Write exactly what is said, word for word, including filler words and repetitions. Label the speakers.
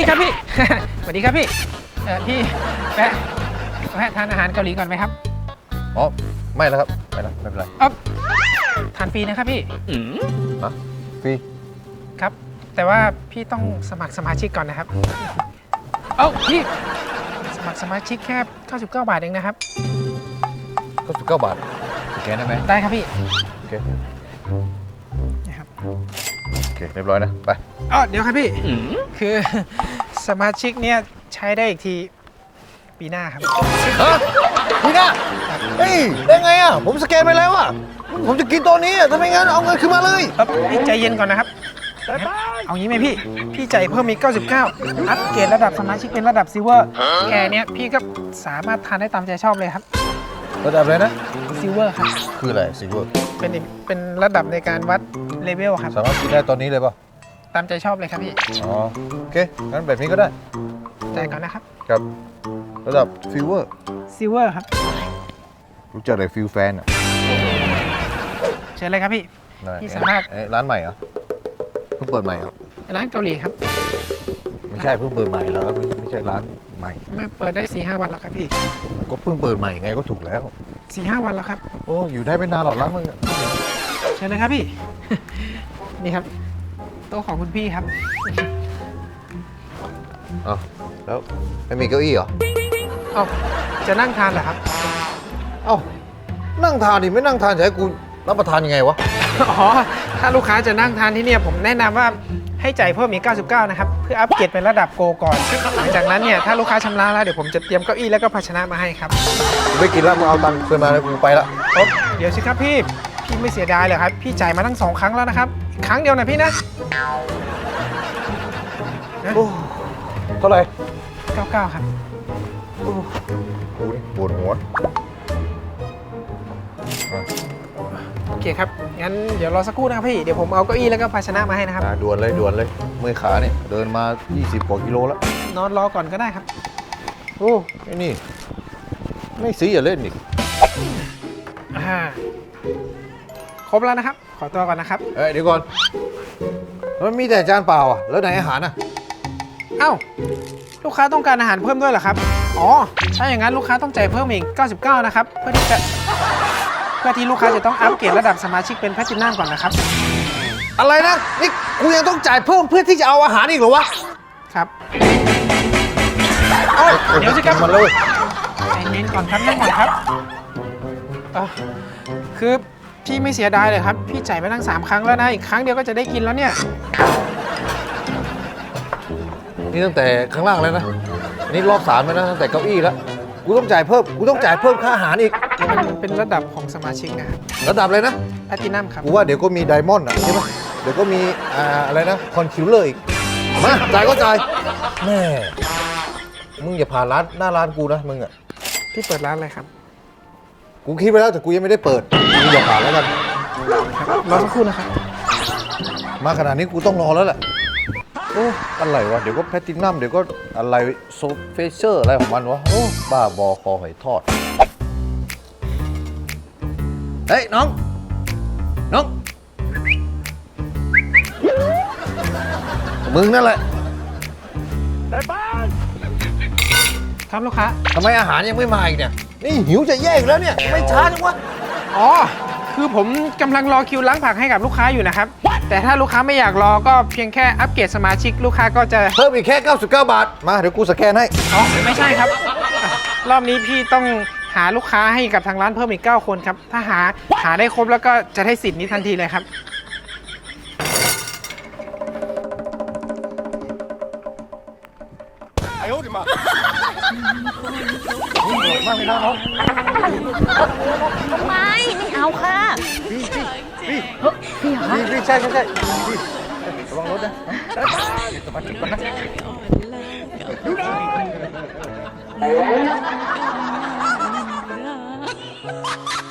Speaker 1: ครับพี่ สวัสดีครับพี่เออพี่แวะแวะทานอาหารเกาหลีก่อนไหมครับ
Speaker 2: อ๋อไม่แล้วครับไม่แล้วไม่เป็นไร
Speaker 1: เออทานฟรีนะครับพี่
Speaker 2: ฮะฟรี
Speaker 1: ครับ แต่ว่าพี่ต้องสมัครสมาชิกก่อนนะครับ เอ้าพี่สมัครสมาชิกแค่เก้าสิบเก้าบาทเองนะครับ
Speaker 2: ก็สิบเก้าบาทสแกนได้ไหม
Speaker 1: ได้ครับพี่
Speaker 2: โอเค
Speaker 1: นะครับ
Speaker 2: โอเคเรียบร้อยนะไป
Speaker 1: อ๋อเดี๋ยวครับพี่คือ สมาชิกเนี่ยใช้ได้อีกทีปีหน้าครับ
Speaker 2: ฮะพี่นะเฮ้ยได้ไงอ่ะผมสแกนไปแล้วอ่ะผมจะกินตัวนี้อ่ะถ้าไม่งั้นเอาเงินคืนมาเลย
Speaker 1: เอ่อพี่ใจเย็นก่อนนะครับงั้นเอางี้ไหมพี่ พี่ใจายเพิ่มอีกเก้าสิบเก้าอัปเกรดระดับสมาชิกเป็นระดับซิลเวอร์แค่เนี้ยพี่ก็สามารถทานได้ตามใจชอบเลยครับ
Speaker 2: ระดับอะไรนะ
Speaker 1: ซิลเวอร์ครับ
Speaker 2: คืออะไรซิลเวอร์
Speaker 1: เป็นอีกเป็นระดับในการวัดเลเวลครับ
Speaker 2: สามารถกินได้ตอนนี้เลยป่ะ
Speaker 1: ตามใจชอบเลยครับพี่
Speaker 2: อ๋อโอเคงั้นแบบนี้ก็ได้
Speaker 1: จ่ายก่อนนะครับ
Speaker 2: ครับระดับฟิวเวอร์
Speaker 1: ซิลเวอร์ครับ
Speaker 2: รู้จักอะไรฟิวแฟนอ่ะ
Speaker 1: เชิญเลยครับพี่
Speaker 2: นั่น
Speaker 1: พี่สามารถ
Speaker 2: เอ๊ะร้านใหม่เหรอเพิ่งเปิดใหม่เหรอ
Speaker 1: ร้านเกาหลีครับ
Speaker 2: ไม่ใช่เพิ่งเปิดใหม่แล้วไม่ไม่ใช่ร้านใหม่
Speaker 1: มาเปิดได้สี่ห้าวันแล้วครับพี่
Speaker 2: ก็เพิ่งเปิดใหม่ไงก็ถูกแล้ว
Speaker 1: สี่ห้าวันแล้วครับ
Speaker 2: โอ้อยู่ได้ไม่นานหรอกร้านมึงอะ
Speaker 1: เชิญเลยครับพี่ นี่ครับโต๊ะของคุณพี่ครับ
Speaker 2: อ้าวแล้วไม่มีเก้าอี้เหรอ
Speaker 1: เอ้าจะนั่งทานเหรอครับ
Speaker 2: เอ้านั่งทานดิไม่นั่งทานจะให้กูรับประทานยังไงวะ
Speaker 1: อ๋อ ถ้าลูกค้าจะนั่งทานที่เนี่ยผมแนะนำว่าให้จ่ายเพิ่มอีกเก้าสิบเก้านะครับ เพื่ออัปเกรดเป็นระดับโกก่อน หลังจากนั้นเนี่ยถ้าลูกค้าชำระแล้วเดี๋ยวผมจะเตรียมเก้าอี้แล้วก็ภาชนะมาให้ครับ
Speaker 2: กูไม่กินแล้วมึงเอาตังค์คืนมาแล้วกูไปละ
Speaker 1: โอ๊ะเดี๋ยวสิครับพี่ พี่ไม่เสียดายเลยครับ พี่จ่ายมาตั้งสองครั้งแล้วนะครับอีกครั้งเดียวนะพี่นะ
Speaker 2: โอ้เท่าไหร่
Speaker 1: เก้าสิบเก้าครับ
Speaker 2: โอ้กูนี่ปวดหัวอ่ะ
Speaker 1: โอเคครับ งั้นเดี๋ยวรอสักครู่นะครับพี่ เดี๋ยวผมเอาเก้าอี้แล้วก็ภาชนะมาให้นะครับ
Speaker 2: อ่ะด่วนเลยด่วนเลยเมื่อยขาเนี่ยเดินมา ยี่สิบกว่ากิโลแล้ว
Speaker 1: นอนรอก่อนก็ได้ครับ
Speaker 2: โอ้ไอ้นี่ไม่ซื้ออย่าเล่นอีก
Speaker 1: อ่า ครบแล้วนะครับ ขอตัวก่อนนะครับ
Speaker 2: เอ้ยเดี๋ยวก่อนมันมีแต่จานเปล่าอ่ะแล้วไหนอาหารอ่ะ
Speaker 1: เอ้า ลูกค้าต้องการอาหารเพิ่มด้วยเหรอครับ อ๋อ ถ้าอย่างนั้นลูกค้าต้องจ่ายเพิ่มอีกเก้าสิบเก้านะครับ เพื่อที่จะ เพื่อที่ลูกค้าจะต้องอัปเกรดระดับสมาชิกเป็นแพลตินัมก่อนนะครับ
Speaker 2: อะไรนะนี่กูยังต้องจ่ายเพิ่มเพื่อที่จะเอาอาหารอีกเหรอวะ
Speaker 1: ครับเอ้าเดี๋ยวสิครับ
Speaker 2: มันเลย
Speaker 1: ใจเย็นก่อนครับนั่งก่อนครับเอ่อคือพี่ไม่เสียดายเลยครับ พี่จ่ายไปตั้งสามครั้งแล้วนะ อีกครั้งเดียวก็จะได้กินแล้วเนี่ย
Speaker 2: นี่ตั้งแต่ข้างล่างแล้วนะอันนี่รอบสามแล้วนะตั้งแต่เก้าอี้แล้วกูต้องจ่ายเพิ่มกูต้องจ่ายเพิ่มค่าอาหารอีก
Speaker 1: มันเป็นระดับของสมาชิกนะครับ
Speaker 2: ระดับเลยนะ
Speaker 1: แพลตินัมครับ
Speaker 2: กูว่าเดี๋ยวก็มีไดมอนด์อ่ะใช่ไหมเดี๋ยวก็มีอ่าอะไรนะคอนคิวเลอร์อีกมาจ่ายก็จ่ายแม่มึงอย่าผ่านร้านหน้าร้านกูนะมึงอ่ะ
Speaker 1: พี่เปิดร้านอะไรครับ
Speaker 2: กูคิดไปแล้วแต่กูยังไม่ได้เปิดมึงอย่าผ่านแล้วกัน
Speaker 1: รอสักครู่นะครับ
Speaker 2: มาขนาดนี้กูต้องรอแล้วแหละโอ้อะไรวะเดี๋ยวก็แพลตินัมเดี๋ยวก็อะไรโซเฟเชอร์อะไรของมันวะโอ้บ้าบอคอหอยทอดเฮ้ยน้องน้องมึงนั่นแหละ
Speaker 1: ครับลูกค้า
Speaker 2: ทำไมอาหารยังไม่มาอีกเนี่ยนี่หิวจะแย่อีกแล้วเนี่ยไม่ช้าจังวะ
Speaker 1: อ๋อ คือผมกำลังรอคิวล้างผักให้กับลูกค้าอยู่นะครับ แต่ถ้าลูกค้าไม่อยากรอก็เพียงแค่อัปเกรดสมาชิกลูกค้าก็จะ
Speaker 2: เพิ่มอีกแค่เก้าสิบเก้าบาทมาเดี๋ยวกูสแกนให้
Speaker 1: อ๋อ ไม่ใช่ครับอ่ะรอบนี้พี่ต้องหาลูกค้าให้กับทางร้านเพิ่มอีกเก้าคนครับ ถ้าหาหาได้ครบแล้วก็จะได้สิทธิ์นี้ทันทีเลยครับ
Speaker 2: มากเลยนะน้อง
Speaker 3: ไม่ไม่เอาค่ะ
Speaker 2: พี่พี่พี่
Speaker 3: พี่เหรอ
Speaker 2: พี่พี่ใช่ใช่ใช่พี่ระวังรถนะสมาธิก่อนนะ